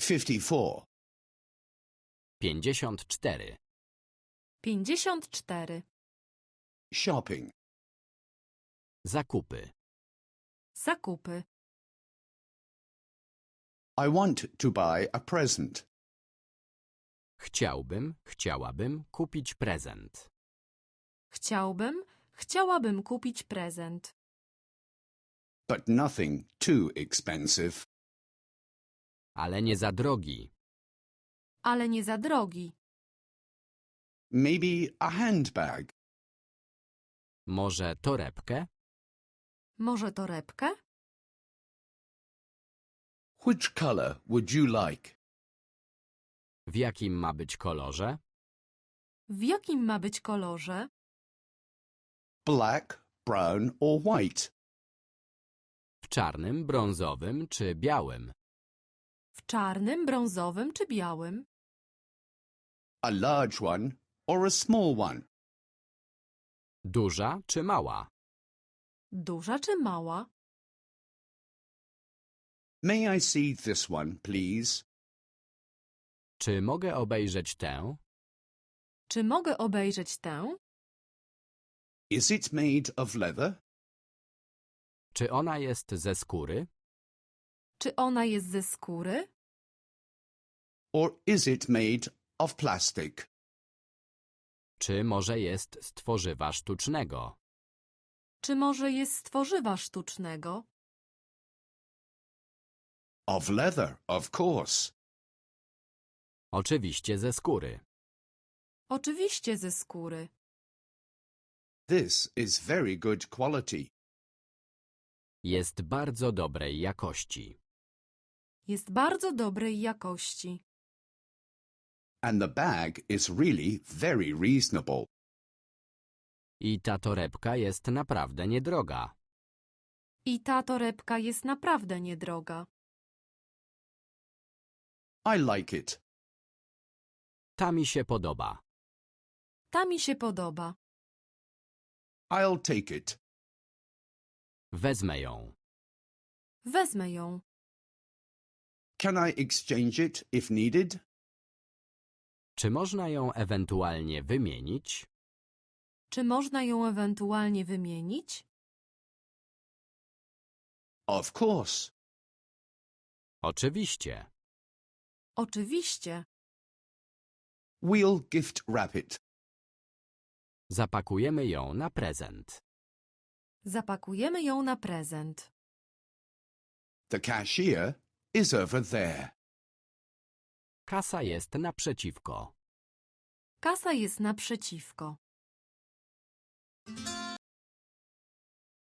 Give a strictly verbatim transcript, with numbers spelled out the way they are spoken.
fifty-four. pięćdziesiąt cztery. pięćdziesiąt cztery. Shopping. Zakupy. Zakupy. I want to buy a present. Chciałbym, chciałabym kupić prezent. Chciałbym, chciałabym kupić prezent. But nothing too expensive. Ale nie za drogi. Ale nie za drogi. Maybe a handbag. Może torebkę? Może torebkę? Which color would you like? W jakim ma być kolorze? W jakim ma być kolorze? Black, brown or white? W czarnym, brązowym czy białym? W czarnym, brązowym czy białym? A large one or a small one? Duża czy mała? Duża czy mała? May I see this one, please? Czy mogę obejrzeć tę? Czy mogę obejrzeć tę? Is it made of leather? Czy ona jest ze skóry? Czy ona jest ze skóry? Or is it made of plastic? Czy może jest z tworzywa sztucznego? Czy może jest z tworzywa sztucznego? Of leather, of course. Oczywiście ze skóry. Oczywiście ze skóry. This is very good quality. Jest bardzo dobrej jakości. Jest bardzo dobrej jakości. And the bag is really very reasonable. I ta torebka jest naprawdę niedroga. I ta torebka jest naprawdę niedroga. I like it. Ta mi się podoba. Ta mi się podoba. I'll take it. Wezmę ją. Wezmę ją. Can I exchange it if needed? Czy można ją ewentualnie wymienić? Czy można ją ewentualnie wymienić? Of course. Oczywiście. Oczywiście. We'll gift wrap it. Zapakujemy ją na prezent. Zapakujemy ją na prezent. The cashier is over there. Kasa jest naprzeciwko. Kasa jest naprzeciwko.